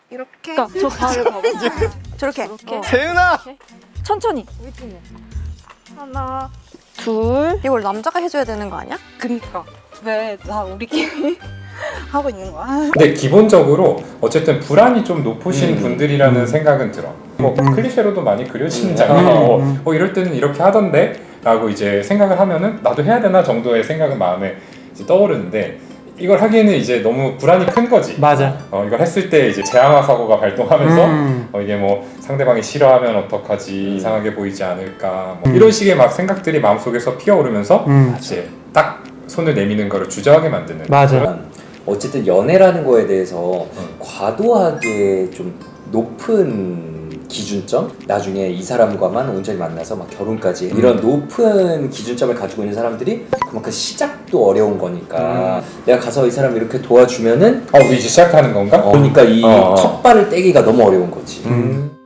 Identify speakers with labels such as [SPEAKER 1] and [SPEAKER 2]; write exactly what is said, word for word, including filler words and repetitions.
[SPEAKER 1] 이렇게.
[SPEAKER 2] 그러니까 저 발을 봐봐.
[SPEAKER 1] 저렇게.
[SPEAKER 2] 이렇게.
[SPEAKER 3] 재은아!
[SPEAKER 2] 천천히.
[SPEAKER 1] 하나.
[SPEAKER 2] 둘.
[SPEAKER 1] 이걸 남자가 해줘야 되는 거 아니야?
[SPEAKER 4] 그니까 왜 다 우리끼리 하고 있는 거야?
[SPEAKER 5] 근데 기본적으로 어쨌든 불안이 좀 높으신
[SPEAKER 3] 음.
[SPEAKER 5] 분들이라는
[SPEAKER 3] 음.
[SPEAKER 5] 생각은 들어. 뭐
[SPEAKER 3] 음.
[SPEAKER 5] 클리셰로도 많이 그려지는
[SPEAKER 3] 음.
[SPEAKER 5] 장면. 어,
[SPEAKER 3] 음.
[SPEAKER 5] 어 이럴 때는 이렇게 하던데 라고 이제 생각을 하면은 나도 해야 되나 정도의 생각은 마음에 이제 떠오르는데 이걸 하기에는 이제 너무 불안이 큰 거지.
[SPEAKER 3] 맞아.
[SPEAKER 5] 어 이걸 했을 때 이제 제항화 사고가 발동하면서
[SPEAKER 3] 음.
[SPEAKER 5] 어, 이게 뭐 상대방이 싫어하면 어떡하지, 이상하게 보이지 않을까, 뭐 이런 식의 막 생각들이 마음속에서 피어오르면서
[SPEAKER 3] 음.
[SPEAKER 5] 이제 딱 손을 내미는 거를 주저하게 만드는.
[SPEAKER 3] 맞아.
[SPEAKER 6] 어쨌든 연애라는 거에 대해서
[SPEAKER 5] 음.
[SPEAKER 6] 과도하게 좀 높은 기준점? 나중에 이 사람과만 온전히 만나서 막 결혼까지
[SPEAKER 5] 음.
[SPEAKER 6] 이런 높은 기준점을 가지고 있는 사람들이 그만큼 시작도 어려운 거니까 내가 가서 이 사람 이렇게 도와주면은
[SPEAKER 5] 어, 우리 이제 시작하는 건가?
[SPEAKER 6] 어, 그러니까 이
[SPEAKER 5] 어, 어.
[SPEAKER 6] 첫 발을 떼기가 너무 어려운 거지.
[SPEAKER 5] 음.